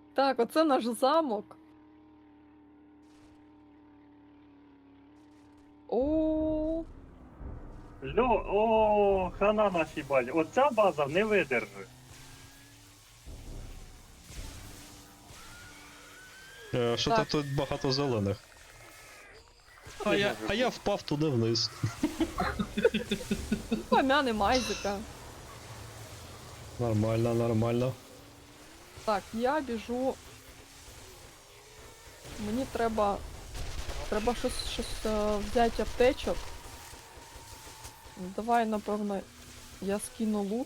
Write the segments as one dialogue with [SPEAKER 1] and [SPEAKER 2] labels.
[SPEAKER 1] Так, оце наш замок. О,
[SPEAKER 2] О, хана нашій базі. Оця база не видержить.
[SPEAKER 3] Що
[SPEAKER 1] Так.
[SPEAKER 3] тут багато зелених. А я впав туди вниз.
[SPEAKER 1] помяне майзика.
[SPEAKER 3] Нормально, нормально.
[SPEAKER 1] Так, я біжу. Мені треба. Треба щось взяти аптечок. Давай, напевно, я скину лут.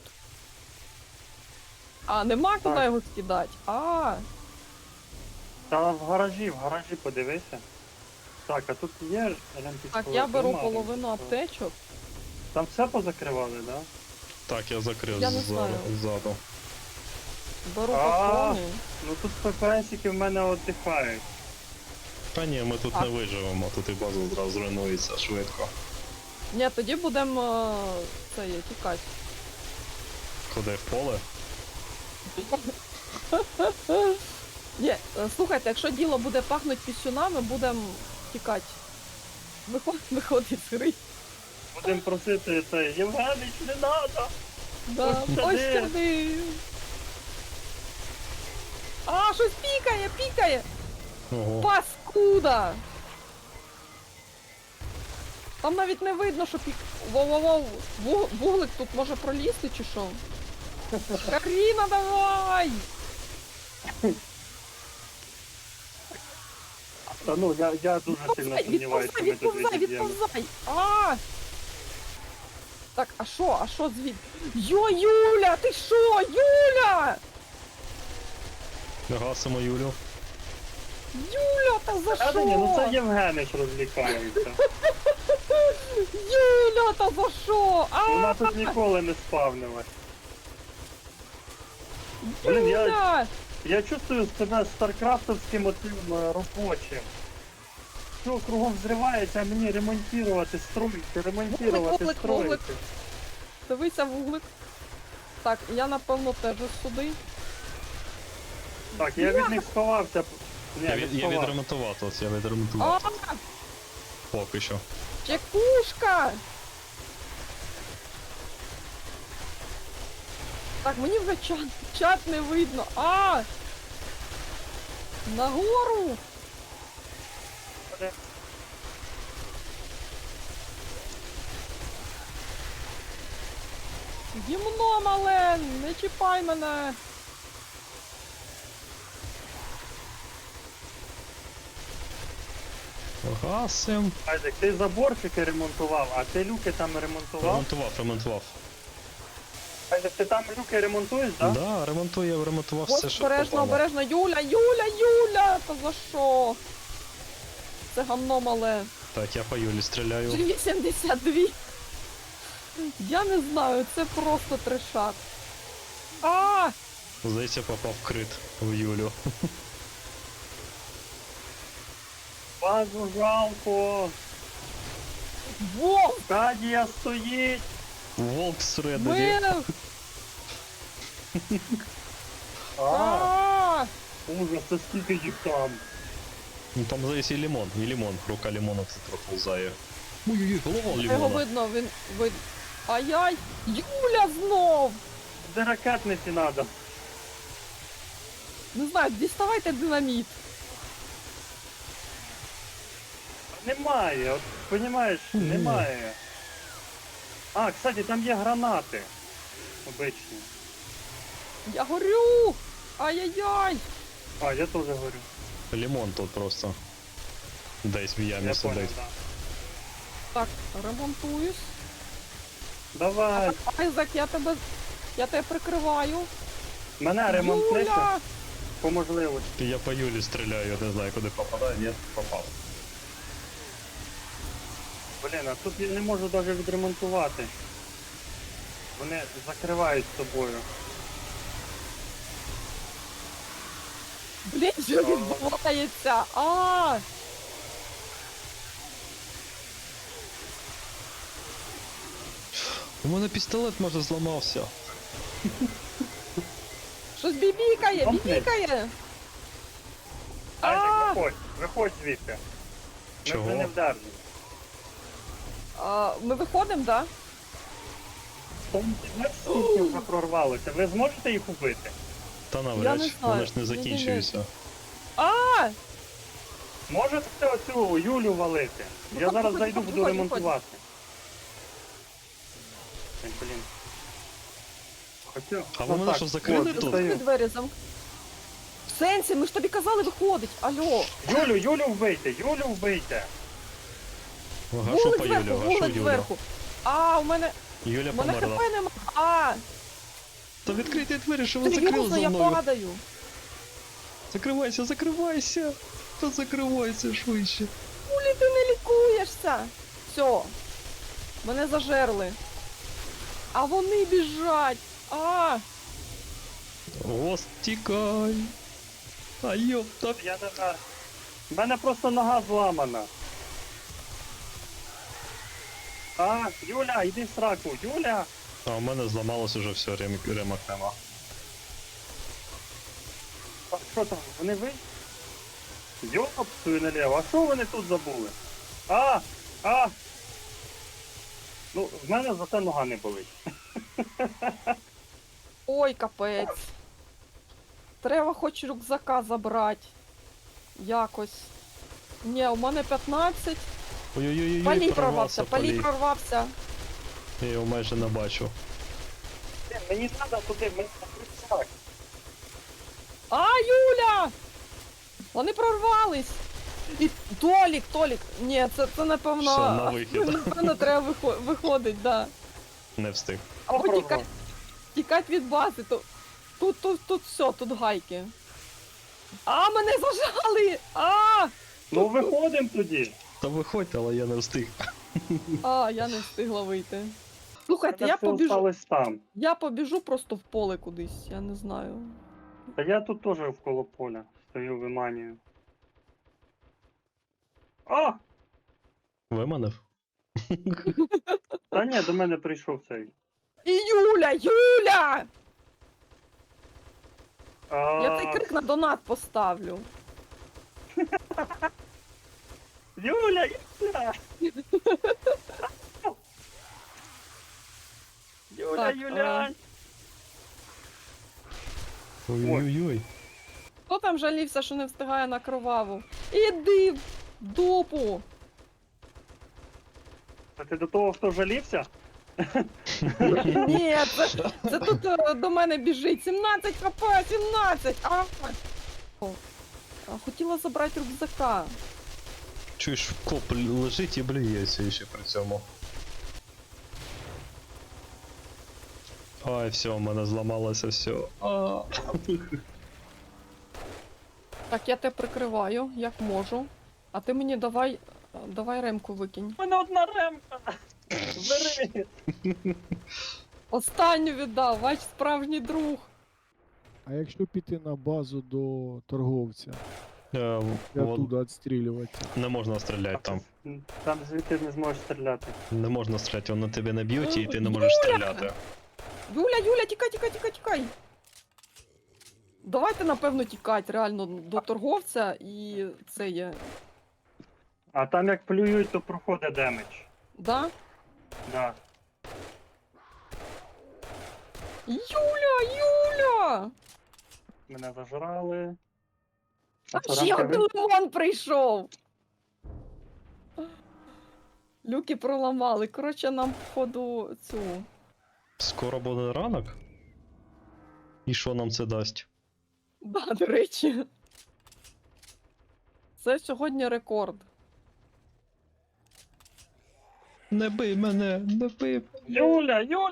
[SPEAKER 1] А, нема куди
[SPEAKER 2] Так.
[SPEAKER 1] його скидати. А,
[SPEAKER 2] Та в гаражі подивися. Так, а тут є ремпічковий?
[SPEAKER 1] так, я беру
[SPEAKER 2] Нема
[SPEAKER 1] половину
[SPEAKER 2] ремпічкового.
[SPEAKER 1] аптечок.
[SPEAKER 2] Там все позакривали, да?
[SPEAKER 3] Так, я закрив
[SPEAKER 1] Я не знаю.
[SPEAKER 3] ззаду.
[SPEAKER 1] Беру
[SPEAKER 2] А.
[SPEAKER 1] патрони.
[SPEAKER 2] Ну тут ППСики в мене віддихають.
[SPEAKER 3] Та ні, ми тут
[SPEAKER 1] А.
[SPEAKER 3] не виживемо, тут і база зразу зруйнується швидко.
[SPEAKER 1] Ні, тоді будемо це є, тікати.
[SPEAKER 3] Куди в поле?
[SPEAKER 1] Ні, слухайте, якщо діло буде пахнути пісюнами, будемо тікати. Виходить з гри.
[SPEAKER 2] Будемо просити це, Євгенич, не надо!
[SPEAKER 1] Да,
[SPEAKER 2] Ось
[SPEAKER 1] ось
[SPEAKER 2] сюди.
[SPEAKER 1] сюди. А, щось пікає!
[SPEAKER 3] Ого.
[SPEAKER 1] Паскуда! Там навіть не видно, що пік... Воу-воу-воу! Вуглик тут може пролізти чи що? Каріна, давай!
[SPEAKER 2] Та ну, я дуже сильно сумніваюся, що ми тут відіб'ємо.
[SPEAKER 1] Відповзай! А! Так, а що звід? Йо, Юля, ти що? Юля!
[SPEAKER 3] Гасимо Юлю.
[SPEAKER 1] Юля, та за
[SPEAKER 2] Та ні, ну це
[SPEAKER 1] що?
[SPEAKER 2] Євгенич розвлікається.
[SPEAKER 1] Юля, та за що?
[SPEAKER 2] Вона
[SPEAKER 1] А,
[SPEAKER 2] тут ніколи не спавнилась. Блін,
[SPEAKER 1] Юля!
[SPEAKER 2] Я чувствую себе старкрафтовським отим робочим. Все кругом взривається, а мені ремонтувати, ремонтувати,
[SPEAKER 1] Вуглик.
[SPEAKER 2] строїти.
[SPEAKER 1] Дивися, вуглик. Так, я напевно теж сюди.
[SPEAKER 2] Так, я від них сховався. Ні,
[SPEAKER 3] Я
[SPEAKER 2] не сховався.
[SPEAKER 3] відремонтував тут, я
[SPEAKER 1] А,
[SPEAKER 3] відремонтував. Поки що.
[SPEAKER 1] чекушка! Так, мені вже чат не видно. А! Нагору! Гімно мале! Не чіпай мене!
[SPEAKER 3] Гасим.
[SPEAKER 2] Айзек, ти заборчики ремонтував, а ти люки там ремонтував?
[SPEAKER 3] Ремонтував.
[SPEAKER 2] Айзек, ти там люки ремонтуєш, так?
[SPEAKER 3] Да, ремонтував
[SPEAKER 1] Ось
[SPEAKER 3] все, що
[SPEAKER 1] обережно,
[SPEAKER 3] попало.
[SPEAKER 1] обережно! Юля! Та за що? Це гамно мале.
[SPEAKER 3] Так, я по Юлі стріляю.
[SPEAKER 1] 82. Я не знаю, це просто трешак. А!
[SPEAKER 3] Здається, попав крит в Юлю.
[SPEAKER 2] Базу жалко.
[SPEAKER 1] Вов!
[SPEAKER 2] Кадія стоїть.
[SPEAKER 3] Волк всередині.
[SPEAKER 1] Мене! А!
[SPEAKER 2] Ужас, це скільки їх там.
[SPEAKER 3] Ну там здається і лимон. Рука лимона це проповзає. Ой-ой-ой, голова
[SPEAKER 1] Його
[SPEAKER 3] лимона.
[SPEAKER 1] видно, він видно. Ай-яй! Юля знов!
[SPEAKER 2] Де ракетниці надо?
[SPEAKER 1] Не знаю, діставайте динаміт.
[SPEAKER 2] Немає, от, понімаєш, немає. А, кстати, там є гранати. Обичні.
[SPEAKER 1] Я горю! Ай-яй-яй!
[SPEAKER 2] А, я теж говорю.
[SPEAKER 3] Лимон тут просто. Десь в ямі
[SPEAKER 2] Я понял,
[SPEAKER 3] сидить.
[SPEAKER 2] да.
[SPEAKER 1] Так, ремонтуюсь.
[SPEAKER 2] Давай,
[SPEAKER 1] Айзек, я тебе прикриваю.
[SPEAKER 2] мене ремонтнися
[SPEAKER 1] Юля!
[SPEAKER 2] по можливості.
[SPEAKER 3] Я по Юлі стріляю, я не знаю, куди попадаю. Ні, попав.
[SPEAKER 2] Блін, а тут я не можу навіть відремонтувати. Вони закривають собою.
[SPEAKER 1] Блін, що відбувається? А!
[SPEAKER 3] У мене пістолет може зламався.
[SPEAKER 1] Щось бібікає,
[SPEAKER 2] Комплекс.
[SPEAKER 1] бібікає!
[SPEAKER 2] Виходь звідти. Ми
[SPEAKER 3] Чого?
[SPEAKER 2] вже не вдарні.
[SPEAKER 1] Ми виходимо, да?
[SPEAKER 2] Там скільки вже прорвалося. Ви зможете їх убити?
[SPEAKER 3] Та
[SPEAKER 1] Я
[SPEAKER 3] навряд,
[SPEAKER 1] не
[SPEAKER 3] чи,
[SPEAKER 1] знаю.
[SPEAKER 3] вони ж не
[SPEAKER 1] Ні-ні-ні.
[SPEAKER 3] закінчуються.
[SPEAKER 1] А!
[SPEAKER 2] Можете оцю Юлю валити?
[SPEAKER 1] Ну,
[SPEAKER 2] Я
[SPEAKER 1] так,
[SPEAKER 2] зараз
[SPEAKER 1] виходь,
[SPEAKER 2] зайду,
[SPEAKER 1] виходь,
[SPEAKER 2] буду
[SPEAKER 1] виходь.
[SPEAKER 2] ремонтувати. Ой, блін. Хоча...
[SPEAKER 3] А ви мене
[SPEAKER 2] так,
[SPEAKER 3] що, закрили
[SPEAKER 2] от,
[SPEAKER 3] тут?
[SPEAKER 2] достаю.
[SPEAKER 1] Закрити двері В сенсі, ми ж тобі казали виходить. Алло.
[SPEAKER 2] Юлю вбийте, Юлю вбийте.
[SPEAKER 3] Гашу
[SPEAKER 1] Вулик
[SPEAKER 3] по Юлю,
[SPEAKER 1] зверху,
[SPEAKER 3] гашу
[SPEAKER 1] вулик
[SPEAKER 3] Юлю.
[SPEAKER 1] зверху. А, у мене
[SPEAKER 3] Юля
[SPEAKER 1] хп
[SPEAKER 3] померла.
[SPEAKER 1] нема. А,
[SPEAKER 3] Та відкрийте двері, що ви закрили
[SPEAKER 1] серйозно,
[SPEAKER 3] за
[SPEAKER 1] я
[SPEAKER 3] мною.
[SPEAKER 1] падаю.
[SPEAKER 3] Закривайся, закривайся. Та закривайся швидше.
[SPEAKER 1] Кулі ти не лікуєшся. Все. Мене зажерли. А вони біжать. А,
[SPEAKER 3] Ос, тікай. А йопта.
[SPEAKER 2] Я не знаю. У мене просто нога зламана. А, Юля, йди в сраку, Юля!
[SPEAKER 3] А у мене зламалось уже все, ремок нема.
[SPEAKER 2] А що там, вони ви? Йопсую наліво, а що вони тут забули? А! Ну, в мене зате нога не болить.
[SPEAKER 1] ой, капець. Треба хоч рюкзака забрати. Якось. Ні, у мене 15.
[SPEAKER 3] Ой-ой-ой,
[SPEAKER 1] Палій прорвався, палій прорвався.
[SPEAKER 3] Я його майже не бачу.
[SPEAKER 2] Мені треба туди, мені так.
[SPEAKER 1] А, Юля! Вони прорвались! І Толік! Ні, це напевно.
[SPEAKER 3] Все, на вихід.
[SPEAKER 1] Напевно, треба виходить, да.
[SPEAKER 3] Не встиг.
[SPEAKER 1] Або
[SPEAKER 2] Прорвав.
[SPEAKER 1] тікать від бази, то. Тут все, тут гайки. А, мене зажали!
[SPEAKER 2] Ну виходимо тоді.
[SPEAKER 3] Та виходьте, але я не встиг.
[SPEAKER 1] Я не встигла вийти. Слухайте,
[SPEAKER 2] Мене все осталось там.
[SPEAKER 1] я побіжу просто в поле кудись, я не знаю.
[SPEAKER 2] Та я тут теж вколо поля стою, виманюю. А!
[SPEAKER 3] Виманив?
[SPEAKER 2] Та ні, до мене прийшов цей.
[SPEAKER 1] І Юля!
[SPEAKER 2] А,
[SPEAKER 1] Я цей крик на донат поставлю.
[SPEAKER 2] Юля! Юля,
[SPEAKER 1] Так,
[SPEAKER 2] Юля!
[SPEAKER 3] Ой-ой-ой.
[SPEAKER 1] Хто там жалівся, що не встигає на кроваву? Іди в дупу!
[SPEAKER 2] А ти до того, хто жалівся?
[SPEAKER 1] Ні, це тут до мене біжить. 17 хп, 17! Хотіла забрати рюкзака.
[SPEAKER 3] Чуєш, коп лежить і блюється ще при цьому. Ай, все, у мене зламалося все.
[SPEAKER 1] Так, я тебе прикриваю, як можу. А ти мені давай ремку викинь.
[SPEAKER 2] У мене одна ремка! Бери!
[SPEAKER 1] Останню віддав, ваш справжній друг.
[SPEAKER 4] А якщо піти на базу до торговця і
[SPEAKER 3] Вон,
[SPEAKER 4] оттуда відстрілюватися?
[SPEAKER 3] не можна стріляти там.
[SPEAKER 2] Там звідти не зможеш стріляти.
[SPEAKER 3] Не можна стріляти, вони тебе не б'ють і ти не можеш стріляти.
[SPEAKER 1] Юля, тікай! Давайте, напевно, тікати реально до торговця і це є.
[SPEAKER 2] А там як плюють, то проходить демедж.
[SPEAKER 1] Да?
[SPEAKER 2] Да.
[SPEAKER 1] Юля!
[SPEAKER 2] Мене зажрали.
[SPEAKER 1] А ще один лимон прийшов! Люки проламали. Коротше, нам, походу, цю.
[SPEAKER 3] Скоро буде ранок? І що нам це дасть?
[SPEAKER 1] Да, до речі. Це сьогодні рекорд.
[SPEAKER 3] Не бий мене, не бий.
[SPEAKER 2] Юля, ні!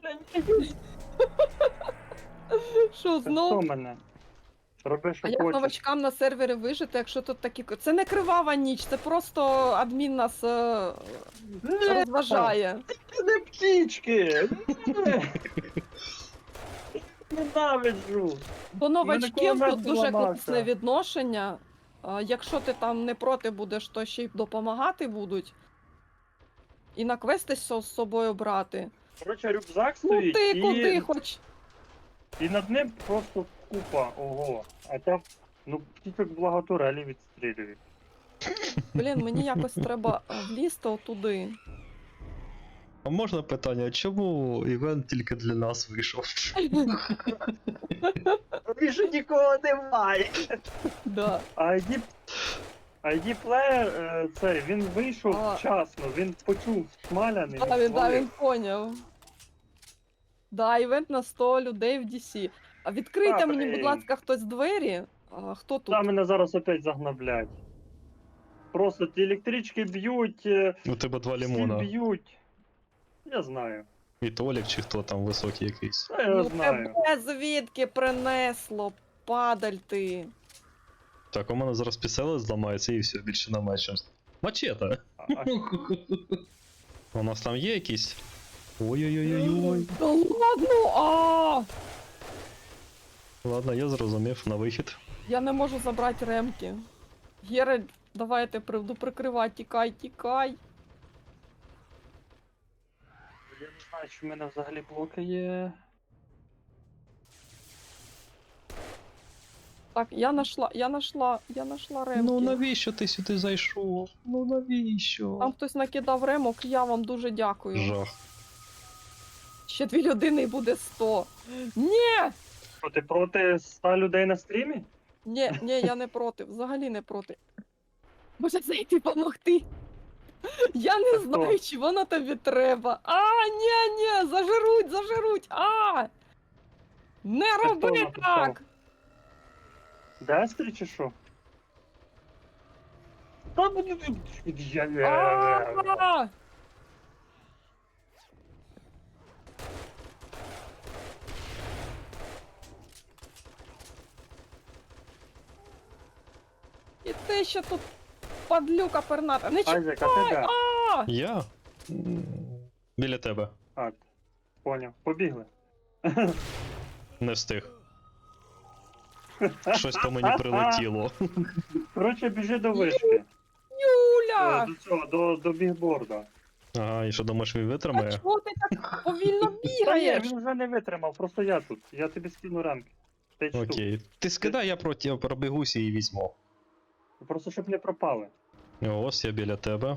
[SPEAKER 1] Що,
[SPEAKER 2] Це
[SPEAKER 1] знов?
[SPEAKER 2] хто мене? Роби, що
[SPEAKER 1] А як
[SPEAKER 2] хочеш.
[SPEAKER 1] новачкам на сервері вижити, якщо тут такі. Це не кривава ніч, це просто адмін нас розважає.
[SPEAKER 2] Не птічки! Ненавиджу!
[SPEAKER 1] До новачків
[SPEAKER 2] кулемет
[SPEAKER 1] тут дуже
[SPEAKER 2] зламався.
[SPEAKER 1] класне відношення. Якщо ти там не проти будеш, то ще й допомагати будуть. І на квести з собою брати.
[SPEAKER 2] Коротше, рюкзак
[SPEAKER 1] Ну
[SPEAKER 2] стоїть
[SPEAKER 1] ти куди хоч.
[SPEAKER 2] і над ним просто купа, ого. А там, ну, птічок благо турелі відстрілюють.
[SPEAKER 1] Блін, мені якось треба влізти отуди.
[SPEAKER 3] А можна питання, а чому івент тільки для нас вийшов?
[SPEAKER 2] Більше нікого немає.
[SPEAKER 1] Да.
[SPEAKER 2] ID плеєр, цей, він вийшов
[SPEAKER 1] А.
[SPEAKER 2] вчасно, він почув смаляний.
[SPEAKER 1] Да, він поняв. Да, івент на 100 людей в DC. А відкрийте
[SPEAKER 2] А,
[SPEAKER 1] мені, будь
[SPEAKER 2] блін.
[SPEAKER 1] ласка, хтось двері. А, хто тут?
[SPEAKER 2] Та мене зараз опять загноблять. Просто ті електрички б'ють,
[SPEAKER 3] У тебе 2
[SPEAKER 2] всі
[SPEAKER 3] лимона.
[SPEAKER 2] б'ють. Я знаю.
[SPEAKER 3] І Толік, чи хто там високий якийсь.
[SPEAKER 2] Та я
[SPEAKER 1] Ну
[SPEAKER 2] знаю.
[SPEAKER 1] тебе звідки принесло, падаль ти.
[SPEAKER 3] Так, у мене зараз піселе зламається і все, більше немає чим. Мачете!
[SPEAKER 2] А
[SPEAKER 3] У нас там є якісь? Ой-ой-ой-ой.
[SPEAKER 1] Да ладно,
[SPEAKER 3] Ладно, я зрозумів, на вихід.
[SPEAKER 1] Я не можу забрати ремки. Гера, давайте буду прикривати, тікай, тікай.
[SPEAKER 2] Я не знаю, чи в мене взагалі блоки є.
[SPEAKER 1] Так, я нашла ремки.
[SPEAKER 3] Ну навіщо ти сюди зайшов? Ну навіщо?
[SPEAKER 1] Там хтось накидав ремок, я вам дуже дякую.
[SPEAKER 3] Жах.
[SPEAKER 1] Ще 2 людини і буде 100. Ні!
[SPEAKER 2] Що, ти проти 100 людей на стрімі?
[SPEAKER 1] Ні, я не проти, взагалі не проти. Може зайти помогти? Я не
[SPEAKER 2] Та
[SPEAKER 1] знаю, чи воно тобі треба. Ні, зажируть. Не
[SPEAKER 2] хто
[SPEAKER 1] роби
[SPEAKER 2] написав?
[SPEAKER 1] так!
[SPEAKER 2] Дестрі чи що? Та буде. Я не.
[SPEAKER 1] А! І ти ще тут падлюка перната. Не
[SPEAKER 2] Айзек, а ти де?
[SPEAKER 1] А!
[SPEAKER 3] Я? Біля тебе.
[SPEAKER 2] А, поняв. Побігли.
[SPEAKER 3] Не встиг. Щось по мені прилетіло.
[SPEAKER 2] Коротше, біжи до вишки.
[SPEAKER 1] Юля!
[SPEAKER 2] До цього, до бігборда.
[SPEAKER 3] Ага, і що думаєш, він
[SPEAKER 1] А
[SPEAKER 3] витримає?
[SPEAKER 1] чого ти так повільно
[SPEAKER 2] Та ні,
[SPEAKER 1] бігаєш?
[SPEAKER 2] він вже не витримав, просто я тут. Я тобі скину рамки. 5 штук.
[SPEAKER 3] Окей. Ти скидай, я пробігуся і візьму.
[SPEAKER 2] Просто щоб не пропали.
[SPEAKER 3] Ось я біля тебе.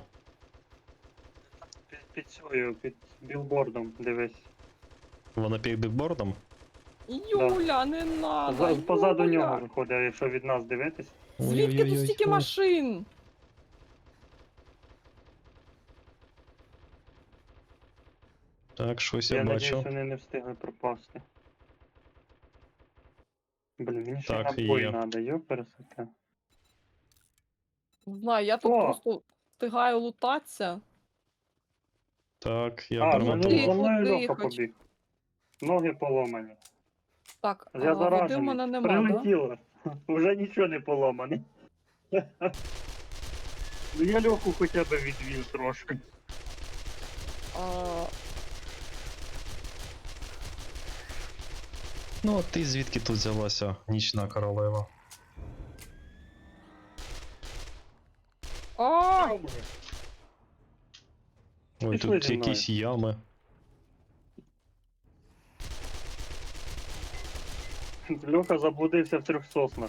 [SPEAKER 2] Під цією, під білбордом, дивись.
[SPEAKER 3] Вона під бікбордом?
[SPEAKER 1] Юля, не надо.
[SPEAKER 2] Позаду
[SPEAKER 1] Юля.
[SPEAKER 2] нього виходить, якщо від нас дивитись.
[SPEAKER 1] Звідки тут
[SPEAKER 3] Ой-ой-ой,
[SPEAKER 1] стільки
[SPEAKER 3] ой.
[SPEAKER 1] машин?
[SPEAKER 3] Так, щось
[SPEAKER 2] Я
[SPEAKER 3] я
[SPEAKER 2] надіюсь,
[SPEAKER 3] бачу.
[SPEAKER 2] вони не встигли пропасти. Блін, мені ще
[SPEAKER 3] Так,
[SPEAKER 2] набої
[SPEAKER 3] є.
[SPEAKER 2] треба, пересаке.
[SPEAKER 1] Не знаю, я тут
[SPEAKER 2] О!
[SPEAKER 1] просто встигаю лутатися.
[SPEAKER 3] Так, я
[SPEAKER 2] А,
[SPEAKER 1] ну,
[SPEAKER 2] за
[SPEAKER 3] перемотую.
[SPEAKER 1] тихо,
[SPEAKER 2] мною Льоха
[SPEAKER 1] тихо.
[SPEAKER 2] побіг. Ноги поломані.
[SPEAKER 1] Так,
[SPEAKER 2] Я
[SPEAKER 1] води в
[SPEAKER 2] заражений.
[SPEAKER 1] мене нема, да?
[SPEAKER 2] Прилетіло. Уже нічого не поломане. Ну я Льоху хоча б відвів трошки.
[SPEAKER 1] А,
[SPEAKER 3] Ну, а ти звідки тут взялася, нічна королева?
[SPEAKER 1] а,
[SPEAKER 3] Ой,
[SPEAKER 2] Пішли
[SPEAKER 3] тут
[SPEAKER 2] зі мною.
[SPEAKER 3] якісь ями.
[SPEAKER 2] Льоха заблудився в 3 соснах.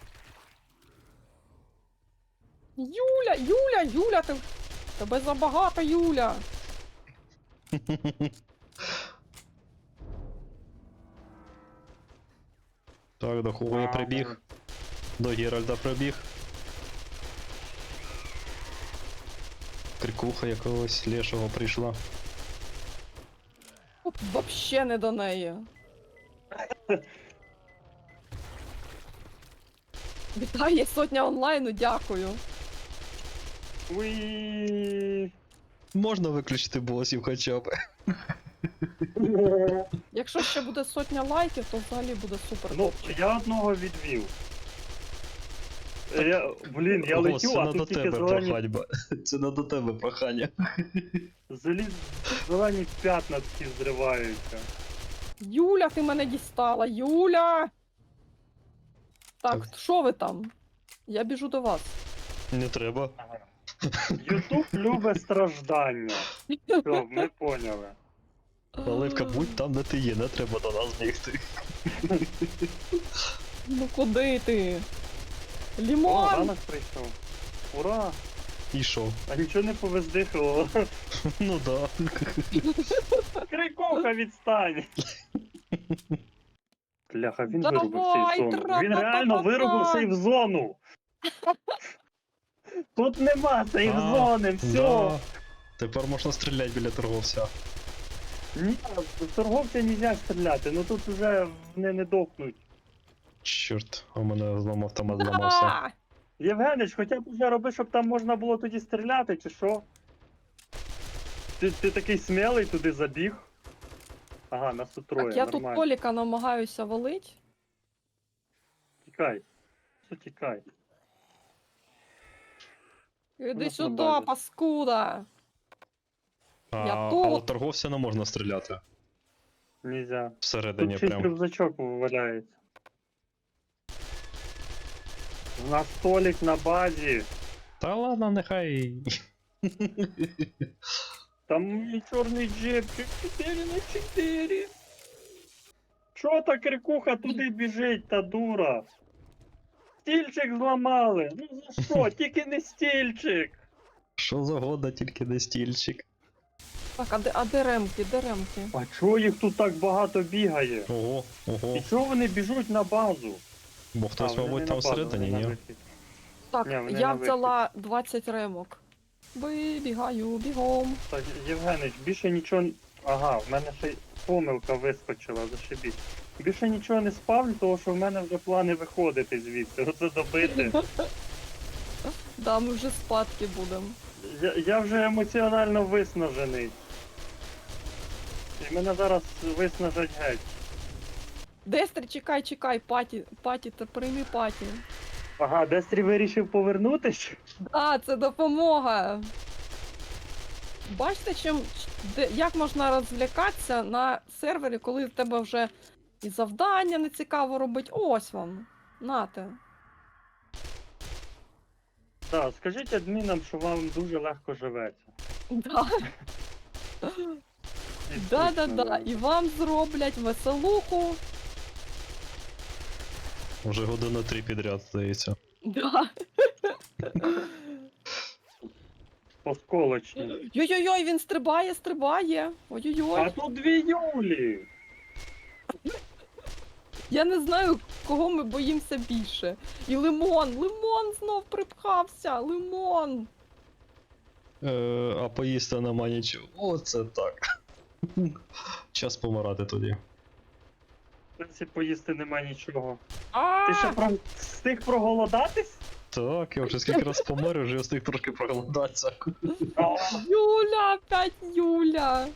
[SPEAKER 1] Юля, ти... Тебе забагато, Юля.
[SPEAKER 3] Так, до кого я прибіг? До Геральда прибіг. Крикуха якогось лешого прийшла.
[SPEAKER 1] От вообще не до неї. Вітаю, сотня онлайну, дякую.
[SPEAKER 2] Уї.
[SPEAKER 3] Можна виключити босів хоча б.
[SPEAKER 1] Якщо ще буде сотня лайків, то взагалі буде супер.
[SPEAKER 2] Ну, я одного відвів. Блін, я
[SPEAKER 3] Голос,
[SPEAKER 2] летю,
[SPEAKER 3] це
[SPEAKER 2] а
[SPEAKER 3] не до
[SPEAKER 2] тут тільки
[SPEAKER 3] тебе
[SPEAKER 2] зелені,
[SPEAKER 3] проханьба. Це не до тебе прохання.
[SPEAKER 2] зелені п'ятна такі зриваються.
[SPEAKER 1] Юля, ти мене дістала, Юля! Так,
[SPEAKER 3] Так.
[SPEAKER 1] що ви там? Я біжу до вас.
[SPEAKER 3] Не треба.
[SPEAKER 2] Ютуб любить страждання. Все, ми поняли.
[SPEAKER 3] Оливка, будь там, де ти є, не треба до нас бігти.
[SPEAKER 1] Ну куди ти?
[SPEAKER 2] О,
[SPEAKER 1] Лімон!
[SPEAKER 2] ранок прийшов. Ура!
[SPEAKER 3] І що?
[SPEAKER 2] А нічого не повездихало.
[SPEAKER 3] Ну да.
[SPEAKER 2] Крикуха, відстань! Бляха, він
[SPEAKER 1] Давай,
[SPEAKER 2] вирубив сейф-зону. Він
[SPEAKER 1] тра-та-та-та-та!
[SPEAKER 2] реально вирубив сейф-зону! Тут нема сейф-зони, все!
[SPEAKER 3] Да. Тепер можна стріляти біля торговця.
[SPEAKER 2] Ні, в торговця нельзя стріляти, ну тут вже вони не дохнуть.
[SPEAKER 3] Чорт, у мене зламав автомат зламався.
[SPEAKER 1] Да!
[SPEAKER 2] Євгенич, хоча б вже роби, щоб там можна було тоді стріляти, чи що? Ти такий смілий туди забіг. Ага, нас тут троє,
[SPEAKER 1] Так, я тут
[SPEAKER 2] нормально.
[SPEAKER 1] Толіка намагаюся валить.
[SPEAKER 2] Тікай. Що тікай?
[SPEAKER 1] Іди
[SPEAKER 2] нас на
[SPEAKER 1] сюди,
[SPEAKER 2] базі.
[SPEAKER 1] паскуда!
[SPEAKER 3] А,
[SPEAKER 1] Я
[SPEAKER 3] а
[SPEAKER 1] тут.
[SPEAKER 3] от торговця не можна стріляти.
[SPEAKER 2] Нельзя.
[SPEAKER 3] Всередині
[SPEAKER 2] Тут чийсь
[SPEAKER 3] прям.
[SPEAKER 2] рюкзачок валяється. У нас столик на базі.
[SPEAKER 3] Та ладно, нехай.
[SPEAKER 2] Там мій чорний джипчик 4х4. Чо та крикуха туди біжить, та дура? Стільчик зламали. Ну за що? Тільки не стільчик.
[SPEAKER 3] Що за года, тільки не стільчик.
[SPEAKER 1] Так, а де ремки, де ремки?
[SPEAKER 2] А чого їх тут так багато бігає?
[SPEAKER 3] Ого, ого.
[SPEAKER 2] І чого вони біжуть на базу?
[SPEAKER 3] Бо хтось,
[SPEAKER 2] вони
[SPEAKER 3] мабуть,
[SPEAKER 2] не
[SPEAKER 3] там
[SPEAKER 2] на базу,
[SPEAKER 3] всередині,
[SPEAKER 2] вони на
[SPEAKER 3] ні?
[SPEAKER 2] вихід.
[SPEAKER 1] Так,
[SPEAKER 2] Ні, вони
[SPEAKER 1] я
[SPEAKER 2] на
[SPEAKER 1] взяла 20 ремок. Вибігаю, бігом.
[SPEAKER 2] Так, Євгенич, більше нічого. Ага, в мене ще й помилка вискочила, зашибіть. Більше нічого не спавлю, тому що в мене вже плани виходити звідси. Оце добити.
[SPEAKER 1] Да, ми вже спадки будемо.
[SPEAKER 2] Я вже емоціонально виснажений. І мене зараз виснажать геть.
[SPEAKER 1] Дестрі, чекай, паті, та прийми паті.
[SPEAKER 2] Ага, Дестрі вирішив повернутись?
[SPEAKER 1] А, це допомога. Бачите, як можна розлякатися на сервері, коли в тебе вже і завдання не цікаво робити. Ось вам. Нате.
[SPEAKER 2] Так, скажіть адмінам, що вам дуже легко живеться.
[SPEAKER 1] Да.
[SPEAKER 2] І
[SPEAKER 1] Да-да-да.
[SPEAKER 2] скучно,
[SPEAKER 1] І вам зроблять веселуху.
[SPEAKER 3] Вже годину 3 підряд, здається.
[SPEAKER 1] Да.
[SPEAKER 2] Посколочні.
[SPEAKER 1] Йой-йой-йой, він стрибає.
[SPEAKER 2] А
[SPEAKER 1] Ой-ой-ой.
[SPEAKER 2] тут дві Юлі!
[SPEAKER 1] Я не знаю, кого ми боїмося більше. І лимон знов припхався. Лимон.
[SPEAKER 3] А поїсти нема нічого. Оце так. Час помирати тоді.
[SPEAKER 2] В принципі, поїсти нема нічого.
[SPEAKER 1] А!
[SPEAKER 2] Ти ще встиг проголодатись?
[SPEAKER 3] Так, я вже скільки раз помер, вже встиг трошки проголодатися.
[SPEAKER 2] А,
[SPEAKER 1] Юля, опять Юля.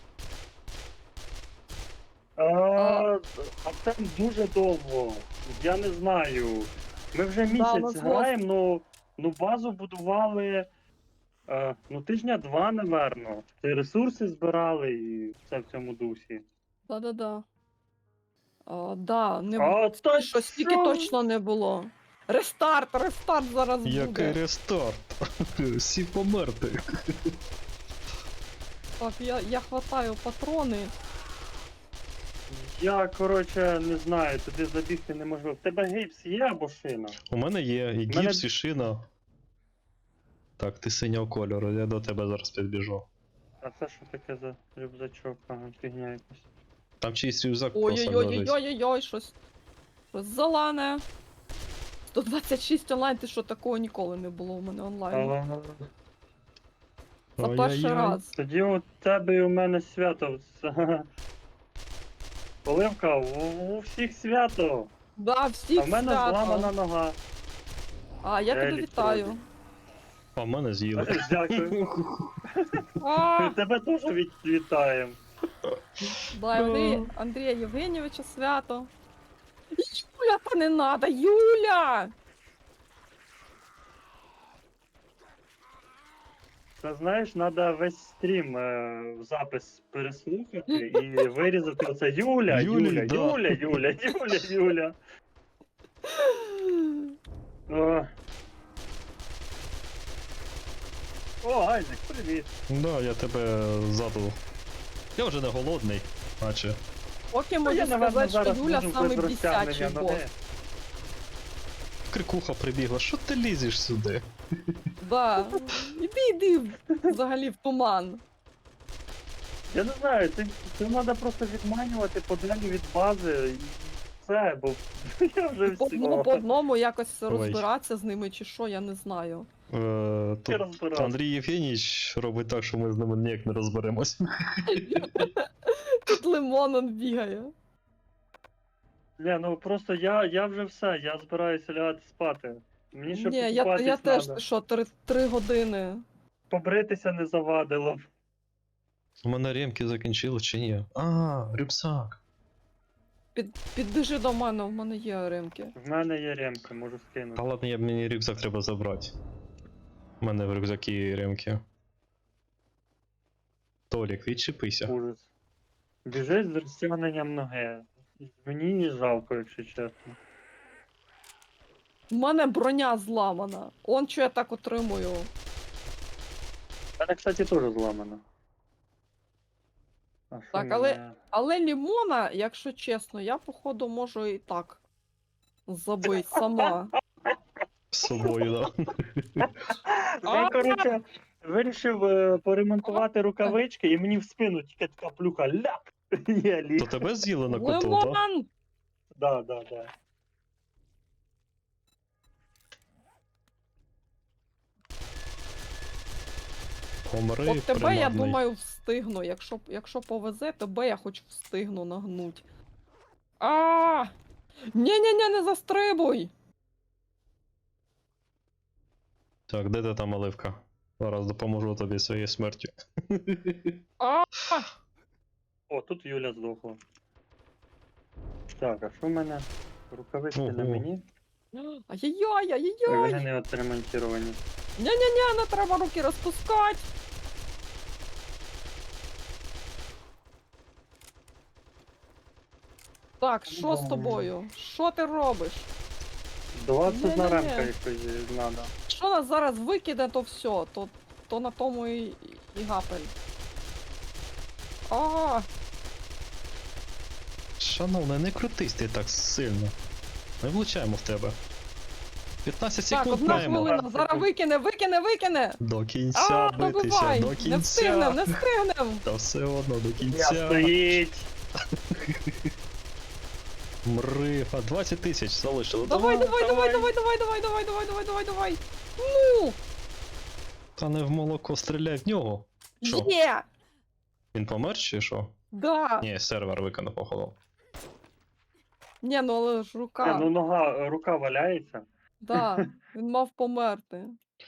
[SPEAKER 2] а це дуже довго. Я не знаю. Ми вже
[SPEAKER 1] у нас
[SPEAKER 2] місяць граємо, ну базу будували тижня 2, напевно. Ти ресурси збирали і все в цьому дусі.
[SPEAKER 1] Да-да-да. Да, не
[SPEAKER 2] А то
[SPEAKER 1] що стільки
[SPEAKER 2] що?
[SPEAKER 1] точно не було. Рестарт зараз
[SPEAKER 3] Який
[SPEAKER 1] буде.
[SPEAKER 3] рестарт? Всі померти.
[SPEAKER 1] Так, я хватаю патрони.
[SPEAKER 2] Я, коротше, не знаю, туди забігти неможливо. В тебе гейпс є або шина?
[SPEAKER 3] У мене є і
[SPEAKER 2] мене-
[SPEAKER 3] гіпс, і шина. Так, ти синього кольору, я до тебе зараз підбіжу.
[SPEAKER 2] А це що таке за рюкзачок? Ага, фігня якась.
[SPEAKER 3] Там чийсь рюкзак просто лежить.
[SPEAKER 1] Ой-ой-ой-ой-ой, щось залане. 126 онлайн, ти що, такого ніколи не було у мене онлайн.
[SPEAKER 2] Ага.
[SPEAKER 1] Це перший
[SPEAKER 3] Ой-ой-ой.
[SPEAKER 1] раз.
[SPEAKER 2] Тоді у тебе і у мене свято. Оливка, у всіх свято.
[SPEAKER 1] Да, всіх
[SPEAKER 2] А в мене
[SPEAKER 1] свято.
[SPEAKER 2] зламана нога.
[SPEAKER 1] А, я тебе
[SPEAKER 2] Елі
[SPEAKER 1] вітаю.
[SPEAKER 2] тролі.
[SPEAKER 3] А в мене з'їли.
[SPEAKER 2] Дякую.
[SPEAKER 1] А,
[SPEAKER 2] Тебе теж вітаємо.
[SPEAKER 1] да, і вони Андрія Євгенійовича свято. Юля, та не надо, Юля!
[SPEAKER 2] Це знаєш, треба весь стрім в запис переслухати і вирізати оце Юля,
[SPEAKER 3] Юлі,
[SPEAKER 2] Юля,
[SPEAKER 3] да.
[SPEAKER 2] Юля, Юля, Юля, Юля. О, Айзек, привіт.
[SPEAKER 3] Да, я тебе ззаду. Я вже не голодний, наче.
[SPEAKER 1] Поки
[SPEAKER 2] Ну,
[SPEAKER 1] можу
[SPEAKER 2] я, напевно,
[SPEAKER 1] сказати, що
[SPEAKER 2] зараз
[SPEAKER 1] Юля
[SPEAKER 2] буду
[SPEAKER 1] самий
[SPEAKER 2] без розтягнення
[SPEAKER 1] бісячий бос.
[SPEAKER 2] ноги.
[SPEAKER 3] крикуха прибігла, що ти лізеш сюди?
[SPEAKER 1] Да. Іди взагалі в туман.
[SPEAKER 2] Я не знаю, це треба просто відманювати подалі від бази і все, бо я вже
[SPEAKER 1] По одному, по
[SPEAKER 2] все.
[SPEAKER 1] одному якось
[SPEAKER 3] Ой.
[SPEAKER 1] розбиратися з ними чи що, я не знаю.
[SPEAKER 3] Тут
[SPEAKER 2] розбирався.
[SPEAKER 3] Андрій Євгенійович робить так, що ми з ними ніяк не розберемось.
[SPEAKER 1] Тут лимон он бігає.
[SPEAKER 2] Не, ну просто я вже все, я збираюся лягати спати. Мені ще
[SPEAKER 1] Ні, я
[SPEAKER 2] покупатись
[SPEAKER 1] теж,
[SPEAKER 2] надо.
[SPEAKER 1] ти що, 3 години.
[SPEAKER 2] Побритися не завадило.
[SPEAKER 3] У мене ремки закінчили чи ні? А, рюкзак.
[SPEAKER 1] Підбіжи до мене, в мене є ремки.
[SPEAKER 2] В мене є ремки, можу
[SPEAKER 3] Та
[SPEAKER 2] скинути.
[SPEAKER 3] ладно, мені рюкзак треба забрати. У мене в рюкзакі ремки. Толік, відчепися.
[SPEAKER 2] Ужас. Біжить з розтягненням ноги. Мені жалко, якщо чесно.
[SPEAKER 1] У мене броня зламана. Он що я так отримую.
[SPEAKER 2] У мене, кстати, теж зламано. А що
[SPEAKER 1] Так, але лімона, якщо чесно, я походу можу і так забити сама.
[SPEAKER 3] З собою, да.
[SPEAKER 2] Я, коротше, вирішив поремонтувати рукавички, і мені в спину тільки така плюха ляп. Я ліг.
[SPEAKER 3] То тебе з'їли на коту, да?
[SPEAKER 1] Лимон!
[SPEAKER 2] Да.
[SPEAKER 3] Помри,
[SPEAKER 1] От тебе, я
[SPEAKER 3] принадний.
[SPEAKER 1] думаю, встигну. Якщо повезе, тебе я хоч встигну нагнуть. А! Ні-ні-ні, не застрибуй!
[SPEAKER 3] Так, де ти там, Оливка? Зараз допоможу тобі своєю смертю.
[SPEAKER 1] А!
[SPEAKER 2] О, тут Юля здохла. Так, а що в мене? Рукавички на
[SPEAKER 3] Ого.
[SPEAKER 2] мені?
[SPEAKER 1] Ай-яй-яй,
[SPEAKER 2] Ой,
[SPEAKER 1] ай-яй-яй!
[SPEAKER 2] вони не отремонтовані.
[SPEAKER 1] Ні-ні-ні, не треба руки розпускати! Так, що з тобою? Що ти робиш?
[SPEAKER 2] 21
[SPEAKER 1] Ні-ні-ні.
[SPEAKER 2] ремка якось надо.
[SPEAKER 1] Що нас зараз викиде, то все, то на тому і гапель. А,
[SPEAKER 3] Шановний, не крутись ти так сильно. Ми влучаємо в тебе. 15
[SPEAKER 1] так,
[SPEAKER 3] секунд
[SPEAKER 1] 1
[SPEAKER 3] маємо.
[SPEAKER 1] хвилина, зараз викине!
[SPEAKER 3] До кінця битися,
[SPEAKER 1] Добивай!
[SPEAKER 3] до
[SPEAKER 1] Не
[SPEAKER 3] кінця.
[SPEAKER 1] встигнем!
[SPEAKER 3] Та все одно до
[SPEAKER 2] Я
[SPEAKER 3] кінця.
[SPEAKER 2] стоїть!
[SPEAKER 3] Мри, а 20 тисяч залишили.
[SPEAKER 1] Давай!
[SPEAKER 2] давай.
[SPEAKER 1] Ну!
[SPEAKER 3] Та не в молоко стріляй в нього. Що?
[SPEAKER 1] Є!
[SPEAKER 3] Він помер чи що?
[SPEAKER 1] Да!
[SPEAKER 3] Ні, сервер виконав, походу.
[SPEAKER 1] Ні, ну але ж
[SPEAKER 2] Ну
[SPEAKER 1] рука.
[SPEAKER 2] рука валяється.
[SPEAKER 1] Да, він мав померти.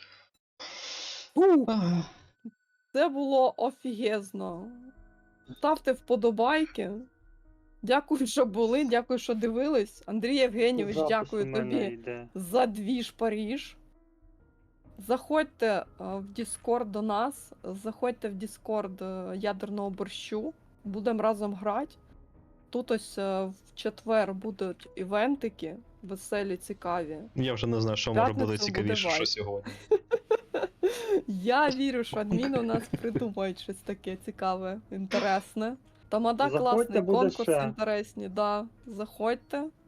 [SPEAKER 1] Фу, це було офігезно. Ставте вподобайки. Дякую, що були, дякую, що дивились. Андрій Євгенійович,
[SPEAKER 2] Запис
[SPEAKER 1] дякую
[SPEAKER 2] у мене
[SPEAKER 1] тобі
[SPEAKER 2] йде.
[SPEAKER 1] за двіж Паріж. Заходьте в Discord до нас, заходьте в Discord ядерного борщу. Будемо разом грати. Тут ось в четвер будуть івентики, веселі, цікаві.
[SPEAKER 3] Я вже не знаю, що може бути
[SPEAKER 1] П'ятницю буде
[SPEAKER 3] цікавіше, що
[SPEAKER 1] вайп.
[SPEAKER 3] сьогодні.
[SPEAKER 1] Я вірю, що адміни у нас придумають щось таке цікаве, інтересне. Тамада
[SPEAKER 2] Заходьте,
[SPEAKER 1] класний,
[SPEAKER 2] буде
[SPEAKER 1] конкурс
[SPEAKER 2] ще.
[SPEAKER 1] інтересні, да. Заходьте.